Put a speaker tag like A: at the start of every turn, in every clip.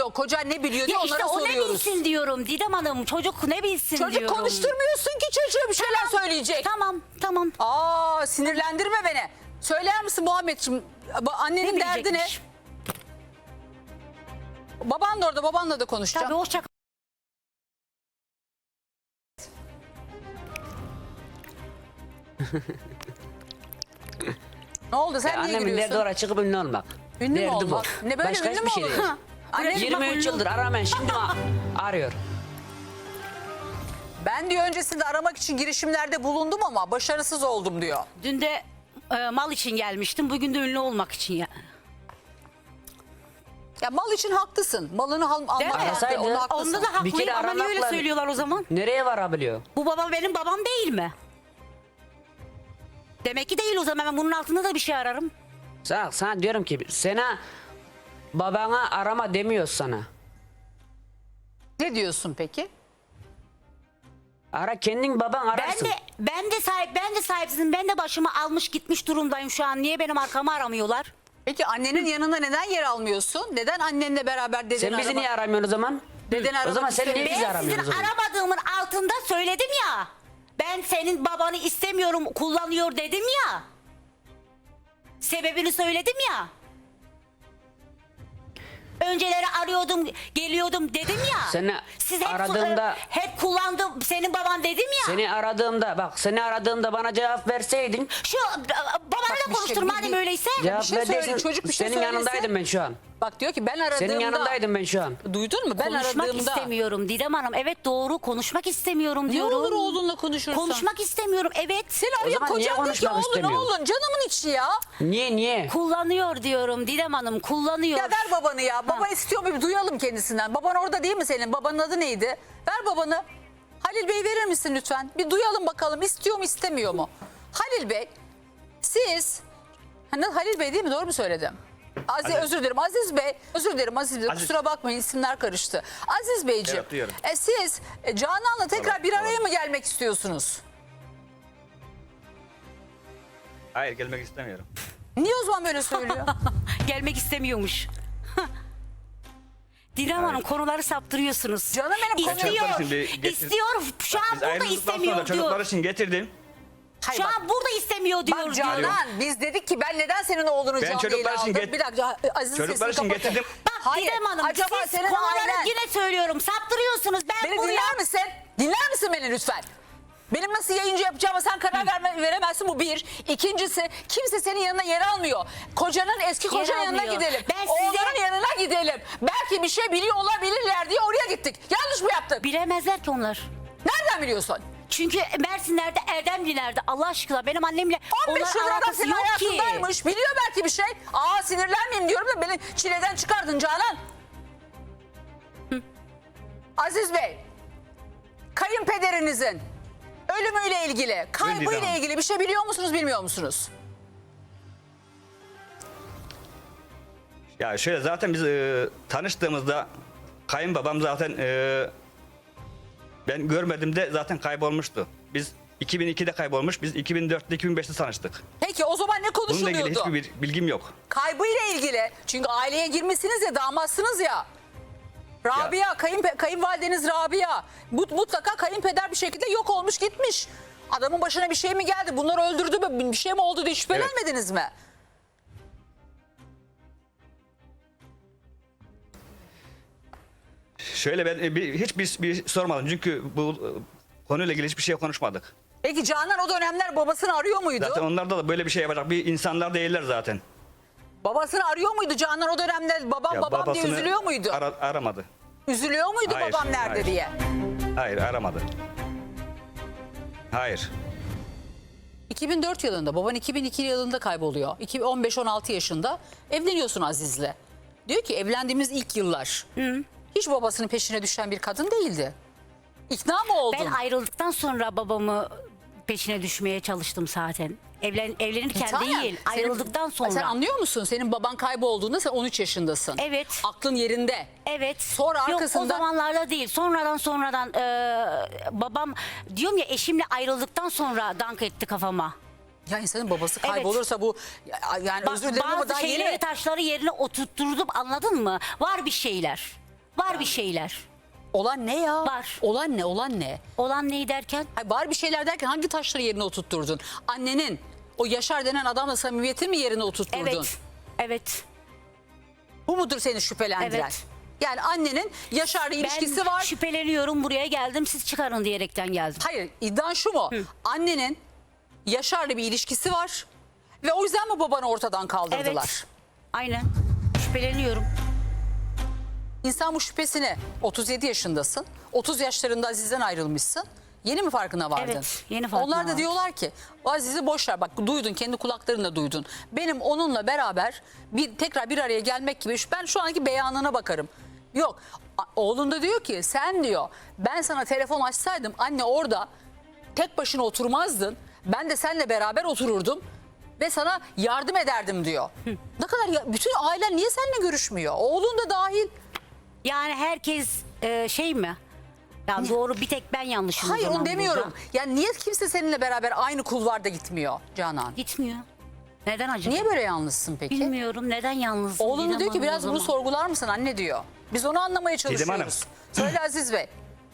A: biliyor, koca ne biliyor diye
B: Ya işte
A: onlara
B: o ne
A: soruyoruz.
B: bilsin diyorum Didem Hanım. Çocuk ne bilsin
A: Çocuk
B: diyorum.
A: konuşturmuyorsun ki çocuğa bir şeyler söyleyecek.
B: Tamam.
A: Aa, sinirlendirme beni. Söyler misin Muhammedciğim, annenin derdi ne?
B: bilecekmiş?
A: Baban da orada, babanla da konuşacağım.
B: Tabii hoşça
A: Ne oldu, sen niye
C: Annemin
A: gülüyorsun?
C: derdi oraya çıkıp ünlü olmak.
A: Ünlü mü
C: Derdi
A: olmak?
C: bu.
A: Ne böyle
C: Başka
A: ünlü mü
C: hiçbir şey
A: olur?
C: değil.
A: Anne,
C: 23 yıldır aramayın, şimdi arıyor.
A: ben diyor öncesinde aramak için girişimlerde bulundum ama başarısız oldum diyor.
B: Dün de mal için gelmiştim. Bugün de ünlü olmak için ya.
A: Ya mal için haklısın. Malını almak
B: Değil mi?
A: hakkı,
C: Arasaydı,
A: onda haklısın.
B: Onda da
C: Bir
B: haklıyım
C: kere
B: ama niye öyle
C: aramakla-
B: söylüyorlar o zaman?
C: Nereye varabiliyor?
B: Bu baba benim babam değil mi? Demek ki değil o zaman, ben bunun altında da bir şey ararım.
C: Sana diyorum ki sana babana arama demiyoruz sana.
A: Ne diyorsun peki?
C: Ara kendin baban ararsın.
B: Ben de sahipsizim. Ben de başımı almış gitmiş durumdayım şu an. Niye benim arkamı aramıyorlar?
A: Peki annenin yanında neden yer almıyorsun? Neden annenle beraber dedeni
C: Sen bizi niye aramıyorsun o zaman?
A: Dedeni
C: O zaman
A: aramak
C: sen niye bizi
B: Ben sizin
C: aramıyorsun o zaman?
B: aramadığımın altında söyledim ya. Ben senin babanı istemiyorum, kullanıyor dedim ya. Sebebini söyledim ya. Önceleri arıyordum, geliyordum dedim ya.
C: Seni
B: Siz hep,
C: aradığımda-
B: hep kullandım senin baban dedim ya.
C: Seni aradığımda bana cevap verseydin.
B: Şu babanla
A: bir şey-
B: konuştur madem öyleyse.
C: Cevap
A: şey söyle,
C: verseydin,
A: çocuk bir şey
C: senin
A: söylese.
C: yanındaydım ben şu an.
A: Bak diyor ki ben aradığımda.
C: Senin yanındaydım ben şu an.
A: Duydun mu? Ben
B: Konuşmak
A: aradığımda.
B: istemiyorum Didem Hanım. Evet doğru, konuşmak istemiyorum
A: Ne
B: diyorum.
A: olur oğlunla konuşursan.
B: Konuşmak istemiyorum, evet.
A: Seni
C: O
A: arıyor
C: zaman niye
A: kocan diyor ki
C: konuşmak
A: oğlun
C: istemiyor?
A: oğlun canımın içi ya.
C: Niye?
B: Kullanıyor diyorum Didem Hanım, kullanıyor.
A: Ya ver babanı ya. Baba istiyor mu? Bir duyalım kendisinden. Baban orada değil mi senin? Babanın adı neydi? Ver babanı. Halil Bey verir misin lütfen? Bir duyalım bakalım istiyor mu istemiyor mu? Halil Bey siz Halil Bey değil mi? Doğru mu söyledim? Özür dilerim Aziz Bey. Özür dilerim Aziz Bey.
D: Aziz.
A: Kusura bakmayın isimler karıştı. Aziz Beyciğim.
D: Evet, duyuyorum.
A: Siz Canan'la tekrar
D: Doğru,
A: bir araya
D: doğru.
A: mı gelmek istiyorsunuz?
D: Hayır, gelmek istemiyorum.
A: Niye o zaman böyle söylüyor?
B: Gelmek istemiyormuş. Didem Hanım konuları saptırıyorsunuz.
A: Canım benim, konu-
B: İstiyor,
D: Çocuklar şimdi
B: istiyor. Şu an
D: Biz
B: burada
D: ayrıldıktan
B: istemiyor
D: sonra çocuklar
B: diyor.
D: için getirdim.
A: Hayır,
B: Şu
A: bak.
B: an burada istemiyor diyor.
A: Bak Canan biz dedik ki ben neden senin oğlunu
D: Ben
A: canlı
D: çocuklar
A: yayına
D: için
A: aldım? Bir dakika Aziz'in
D: Çocuklar
A: sesini
D: için
A: kapatın.
D: getirdim.
B: Bak
A: Hayır,
B: Didem Hanım
A: acaba
B: siz
A: senin
B: konuları
A: ailen-
B: yine söylüyorum. Saptırıyorsunuz. Ben
A: Beni
B: buraya...
A: dinler misin? Dinler misin beni lütfen? Benim nasıl yayıncı yapacağıma sen karar veremezsin, bu bir. İkincisi kimse senin yanına yer almıyor. Kocanın eski
B: Yer
A: kocanın yanına
B: almıyor.
A: gidelim.
B: Ben size-
A: Oğlanın yanına gidelim. Belki bir şey biliyor olabilirler diye oraya gittik. Yanlış mı yaptık?
B: Bilemezler ki onlar.
A: Nereden biliyorsun?
B: Çünkü Mersinler'de, Erdemliler'de Allah aşkına benim annemle
A: 15
B: onların
A: yıl adam
B: alakası
A: senin
B: yok ki.
A: hayatındaymış. Biliyor belki bir şey. Aa, sinirlenmeyeyim diyorum da beni çileden çıkardın Canan. Aziz Bey, kayınpederinizin ölümüyle ilgili, kaybıyla
D: Hanım.
A: ilgili bir şey biliyor musunuz, bilmiyor musunuz?
D: Ya şöyle, zaten biz tanıştığımızda kayınbabam zaten ben görmediğimde zaten kaybolmuştu. Biz 2002'de kaybolmuş, biz 2004'te 2005'te tanıştık.
A: Peki o zaman ne
D: Bununla ilgili
A: konuşuluyordu?
D: hiçbir bilgim yok.
A: Kaybıyla ilgili. Çünkü aileye girmişsiniz ya, damatsınız ya. Rabia, kayınvalideniz Rabia. Mutlaka kayınpeder bir şekilde yok olmuş gitmiş. Adamın başına bir şey mi geldi? Bunları öldürdü mü? Bir şey mi oldu diye şüphelenmediniz mi?
D: Şöyle ben hiçbir sormadım çünkü bu konuyla ilgili hiçbir şey konuşmadık.
A: Peki Canan o dönemler babasını arıyor muydu?
D: Zaten onlarda da böyle bir şey yapacak bir insanlar değiller zaten.
A: Babasını arıyor muydu Canan o dönemde? Babam
D: Ya
A: babam diye
D: babasını
A: üzülüyor muydu?
D: Aramadı.
A: Üzülüyor muydu
D: Hayır,
A: babam nerede
D: hayır.
A: diye?
D: Hayır, aramadı. Hayır.
A: 2004 yılında, baban 2002 yılında kayboluyor. 15-16 yaşında evleniyorsun Aziz'le. Diyor ki evlendiğimiz ilk yıllar hiç babasının peşine düşen bir kadın değildi. İkna mı oldun?
B: Ben ayrıldıktan sonra babamı peşine düşmeye çalıştım zaten. Evlenirken
A: Tanem,
B: değil,
A: senin-
B: ayrıldıktan sonra.
A: Sen anlıyor musun? Senin baban kaybolduğunda sen 13 yaşındasın.
B: Evet.
A: Aklın yerinde.
B: Evet.
A: Sonra
B: Yok,
A: arkasında-
B: o zamanlarda değil. Sonradan babam diyorum ya, eşimle ayrıldıktan sonra dank etti kafama.
A: Ya insanın babası
B: Evet.
A: kaybolursa bu yani
B: Bak,
A: özür dilerim ama
B: bazı
A: daha
B: şeyleri,
A: yeni.
B: taşları yerine oturtturdum, anladın mı? Var bir şeyler. Var bir şeyler.
A: Olan ne ya?
B: Var.
A: Olan ne? Olan ne?
B: Olan neyi derken?
A: Hayır, var bir şeyler derken hangi taşları yerine oturtturdun? Annenin o Yaşar denen adamla samimiyeti mi yerine oturtturdun?
B: Evet. Evet.
A: Bu mudur seni şüphelendiren?
B: Evet.
A: Yani annenin Yaşar'la ilişkisi
B: Ben
A: var.
B: şüpheleniyorum, buraya geldim, siz çıkarın diyerekten geldim.
A: Hayır, iddian şu mu? Annenin Yaşar'la bir ilişkisi var ve o yüzden mi babanı ortadan kaldırdılar?
B: Evet. Aynen. Şüpheleniyorum.
A: İnsan bu şüphesini, 37 yaşındasın, 30 yaşlarında Aziz'den ayrılmışsın. Yeni mi farkına vardın?
B: Evet, yeni farkına
A: Onlar da
B: vardım.
A: diyorlar ki o Aziz'i boş ver, bak duydun, kendi kulaklarınla duydun. Benim onunla beraber tekrar bir araya gelmek gibi, ben şu anki beyanına bakarım. Yok, oğlun da diyor ki sen diyor, ben sana telefon açsaydım anne orada tek başına oturmazdın. Ben de seninle beraber otururdum ve sana yardım ederdim diyor. Ne kadar bütün ailen niye seninle görüşmüyor? Oğlun da dahil.
B: Yani herkes şey mi? Ya doğru, bir tek ben yanlışım o
A: Hayır,
B: zaman
A: onu demiyorum.
B: burada.
A: Yani niye kimse seninle beraber aynı kulvarda gitmiyor Canan?
B: Gitmiyor. Neden acaba?
A: Niye böyle yalnızsın peki?
B: Bilmiyorum, neden yalnızsın?
A: Oğlunu
B: Didem
A: diyor ki
B: Hanım o
A: biraz bunu
B: zaman?
A: sorgular mısın anne diyor. Biz onu anlamaya
D: Hanım.
A: çalışıyoruz. Söyle Aziz Bey.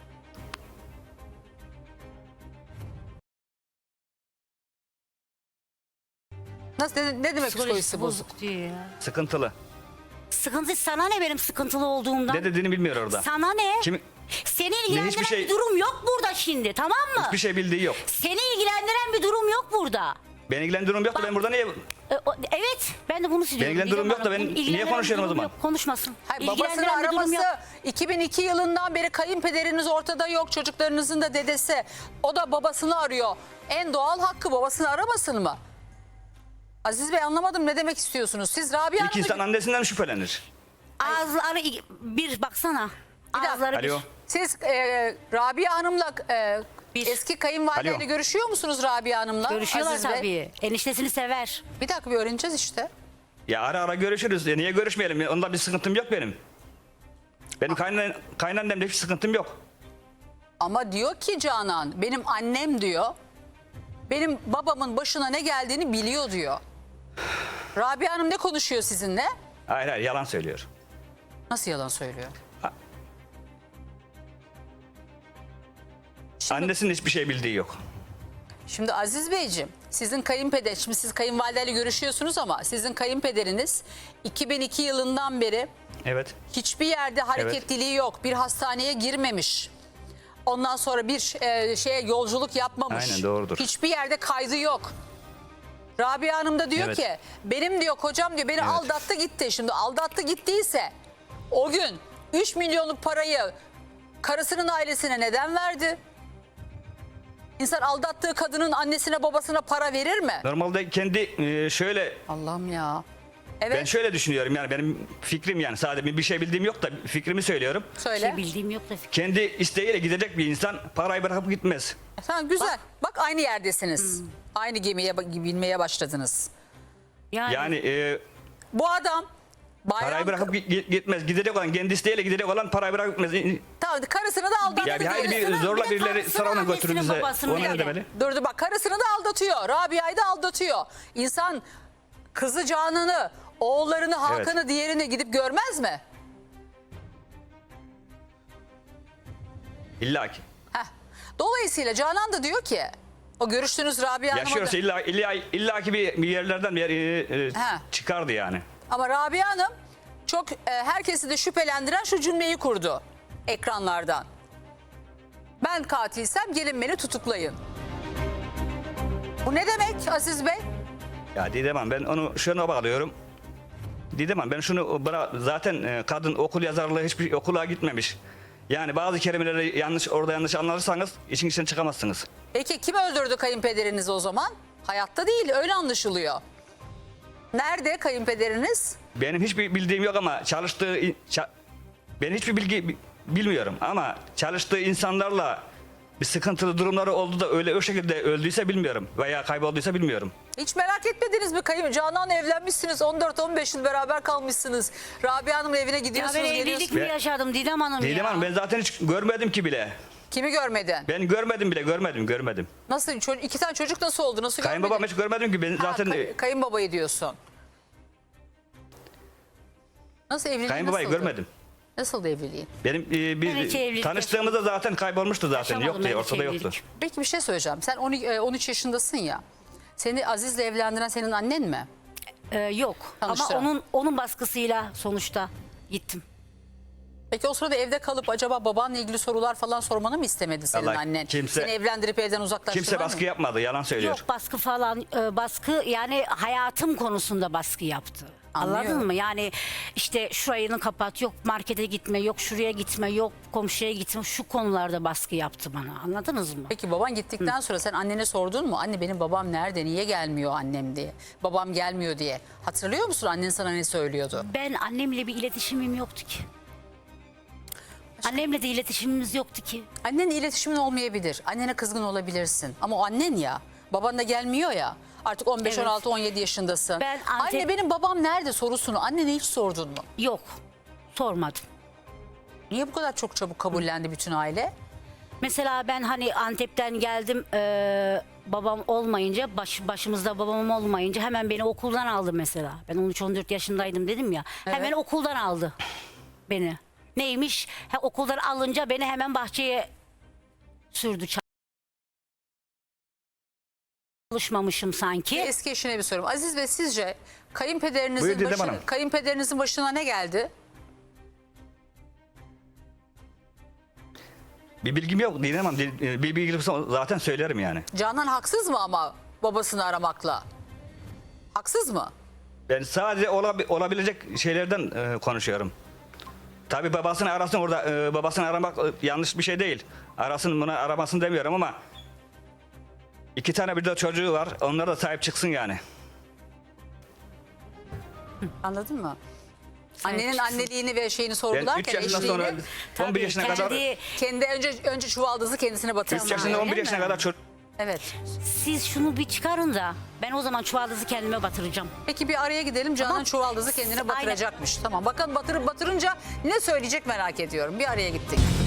A: Nasıl, ne demek psikolojisi bozuk?
B: diyor ya.
D: Sıkıntılı.
B: Sıkıntı sana ne, benim sıkıntılı olduğumdan?
D: Ne dediğini bilmiyor orada.
B: Sana ne?
D: Kim,
B: Seni ilgilendiren
D: hiçbir şey-
B: bir durum yok burada şimdi, tamam mı?
D: hiçbir şey bildiği yok.
B: Seni ilgilendiren bir durum yok burada.
D: Beni ilgilendiren durum yoktu. Ben burada niye...
B: Evet, ben de bunu söylüyorum.
D: ilgilendiren
B: Didem
D: durum yok da
B: Hanım.
D: ben
B: İlgilendiren
D: niye konuşuyorum o
B: bir durum
D: zaman?
B: yok, konuşmasın.
A: Hayır, babasını
B: İlgilendiren bir durum
A: araması
B: yok.
A: 2002 yılından beri kayınpederiniz ortada yok. Çocuklarınızın da dedesi. O da babasını arıyor. En doğal hakkı, babasını aramasın mı? Aziz Bey, anlamadım, ne demek istiyorsunuz? Siz Rabia
D: İlk insan
A: Hanım'la...
D: annesinden şüphelenir.
B: Ağızları bir baksana.
A: dakika.
B: Ağızları bir.
D: Alo.
A: Siz Rabia Hanım'la
B: Bir.
A: eski kayınvalideyle
D: Alo.
A: görüşüyor musunuz Rabia Hanım'la?
B: Görüşüyorlar
A: Aziz Bey?
B: tabii. Eniştesini sever.
A: Bir dakika, bir öğreneceğiz işte.
D: Ya ara ara görüşürüz. Niye görüşmeyelim? Onda bir sıkıntım yok benim. Benim kaynannemde hiç sıkıntım yok.
A: Ama diyor ki Canan, benim annem diyor, benim babamın başına ne geldiğini biliyor diyor. Rabia Hanım ne konuşuyor sizinle?
D: Hayır hayır, yalan söylüyor.
A: Nasıl yalan söylüyor?
D: Annesinin hiçbir şey bildiği yok.
A: Şimdi Aziz Beyciğim, sizin kayınpeder, şimdi siz kayınvalideyle görüşüyorsunuz ama sizin kayınpederiniz 2002 yılından beri
D: Evet.
A: hiçbir yerde hareketliliği yok. Bir hastaneye girmemiş. Ondan sonra bir şeye yolculuk yapmamış.
D: Aynen, doğrudur.
A: Hiçbir yerde kaydı yok. Rabia Hanım da diyor
D: Evet.
A: ki benim diyor kocam diyor beni aldattı gitti. Şimdi aldattı gittiyse o gün 3 milyonluk parayı karısının ailesine neden verdi? İnsan aldattığı kadının annesine babasına para verir mi?
D: Normalde kendi şöyle...
A: Allah'ım ya.
D: Ben
A: Evet,
D: şöyle düşünüyorum, yani benim fikrim, yani sadece bir şey bildiğim yok da fikrimi söylüyorum.
B: Bir
A: söyle.
B: şey bildiğim yok da.
D: Kendi isteğiyle gidecek bir insan parayı bırakıp gitmez.
A: Tamam, güzel. Bak aynı yerdesiniz. Aynı gemiye binmeye başladınız.
D: Yani
A: Bu adam bayram...
D: parayı bırakıp gitmez. Gidecek olan, kendi isteğiyle gidecek olan parayı bırakıp gitmez.
A: Tamam, karısını da aldattı.
D: Ya bir haydi bir
B: Karısını,
D: zorla
B: bir de
D: birileri
B: karısını,
D: sırayla
B: annesini,
D: götürür bize.
B: babasını
D: O ne
B: yani.
D: demeli?
A: Dur bak, karısını da aldatıyor. Rabia'yı da aldatıyor. İnsan kızı Canan'ı, oğullarını, Hakan'ı, diğerini gidip görmez mi?
D: İlla ki.
A: Heh. Dolayısıyla Canan da diyor ki o görüştüğünüz Rabia Hanım'a
D: Yaşıyorsa
A: da...
D: illa ki bir yerlerden bir yer
A: Ha.
D: çıkardı yani.
A: Ama Rabia Hanım çok herkesi de şüphelendiren şu cümleyi kurdu ekranlardan. Ben katilsem gelin beni tutuklayın. Bu ne demek Aziz Bey?
D: Ya Didem Hanım, ben onu şuna bağlıyorum. Didem Hanım, ben şunu zaten kadın okul yazarlığı hiçbir okula gitmemiş. Yani bazı kelimeleri orada yanlış anlarsanız işin içinden çıkamazsınız.
A: Peki kim öldürdü kayınpederinizi o zaman? Hayatta değil, öyle anlaşılıyor. Nerede kayınpederiniz?
D: Benim hiçbir bildiğim yok ama ben hiçbir bilgi bilmiyorum ama çalıştığı insanlarla bir sıkıntılı durumları oldu da öyle o şekilde öldüyse bilmiyorum veya kaybolduysa bilmiyorum.
A: Hiç merak etmediniz mi Canan'la evlenmişsiniz, 14-15 yıl beraber kalmışsınız. Rabia Hanım'ın evine
B: Ya
A: gidiyorsunuz,
B: ben evlilik
A: geliyorsunuz.
B: mi yaşadım Didem Hanım ya?
D: Didem Hanım, ben zaten hiç görmedim ki bile.
A: Kimi görmedin?
D: Ben görmedim bile, görmedim.
A: Nasıl? İki tane çocuk nasıl oldu? Nasıl
D: Kayınbabam
A: görmedin?
D: hiç görmedim ki, ben
A: Ha,
D: zaten
A: kayınbabayı diyorsun. Nasıl evliliği
D: kayınbabayı
A: nasıldı?
D: görmedim.
A: Nasıldı evliliğin?
D: Benim
B: Ben hiç evlilik
D: tanıştığımızda zaten kaybolmuştu zaten.
B: Yaşamadım
D: Yoktu,
B: ben hiç
D: ortada
B: evlilik.
D: yoktu.
A: Peki bir şey söyleyeceğim. Sen 13 yaşındasın ya. Seni Aziz'le evlendiren senin annen mi?
B: Yok ama
A: Tanıştıran.
B: onun baskısıyla sonuçta gittim.
A: Peki o sırada evde kalıp acaba babanla ilgili sorular falan sormanı mı istemedi senin
D: Vallahi
A: annen?
D: kimse-
A: Seni evlendirip evden uzaklaştırman
D: Kimse
A: mı?
D: baskı yapmadı, yalan söylüyor.
B: Yok baskı falan baskı yani hayatım konusunda baskı yaptı.
A: Anlıyorum.
B: Anladın mı? Yani işte şurayını kapat, yok markete gitme, yok şuraya gitme, yok komşuya gitme. Şu konularda baskı yaptı bana. Anladınız mı?
A: Peki baban gittikten sonra sen annene sordun mu? Anne benim babam nerede? Niye gelmiyor annem diye? Babam gelmiyor diye. Hatırlıyor musun annen sana ne söylüyordu?
B: Ben annemle bir iletişimim yoktu ki. Annemle de iletişimimiz yoktu ki.
A: Annenle iletişimin olmayabilir. Annene kızgın olabilirsin. Ama o annen ya. Baban da gelmiyor ya. Artık 15,
B: Evet.
A: 16, 17 yaşındasın.
B: Ben
A: Anne benim babam nerede sorusunu annene hiç sordun mu?
B: Yok. Sormadım.
A: Niye bu kadar çok çabuk kabullendi bütün aile?
B: Mesela ben hani Antep'ten geldim babam olmayınca başımızda babam olmayınca hemen beni okuldan aldı mesela. Ben 13-14 yaşındaydım dedim ya. Hemen okuldan aldı beni. Neymiş? Okuldan alınca beni hemen bahçeye sürdü. Çalışmamışım sanki.
A: Eski eşine bir sorum. Aziz Bey sizce
D: Buyur
A: kayınpederinizin,
D: Didem Hanım.
A: kayınpederinizin başına ne geldi?
D: Bir bilgim yok, Didem Hanım. Bir bilgim olsa zaten söylerim yani.
A: Canan haksız mı ama babasını aramakla? Haksız mı?
D: Ben sadece olabilecek şeylerden konuşuyorum. Tabii babasını arasın orada, babasını aramak yanlış bir şey değil. Arasın, buna aramasın demiyorum ama 2 tane bir de çocuğu var, onlara da sahip çıksın yani.
A: Anladın mı? Annenin anneliğini ve şeyini sorgularken
D: 3 yaşından sonra
A: eşliğini
D: 11 yaşına kadar,
A: kendi önce çuvaldızı kendisine
D: 3
A: batırdı.
D: yaşında 11
B: öyle
D: yaşına
B: mi?
D: kadar çocuk.
A: Evet.
B: Siz şunu bir çıkarın da ben o zaman çuvaldızı kendime batıracağım.
A: Peki bir araya gidelim. Canan
B: Tamam.
A: çuvaldızı kendine
B: Aynen.
A: batıracakmış. Tamam. Bakın batırınca ne söyleyecek merak ediyorum. Bir araya gittik.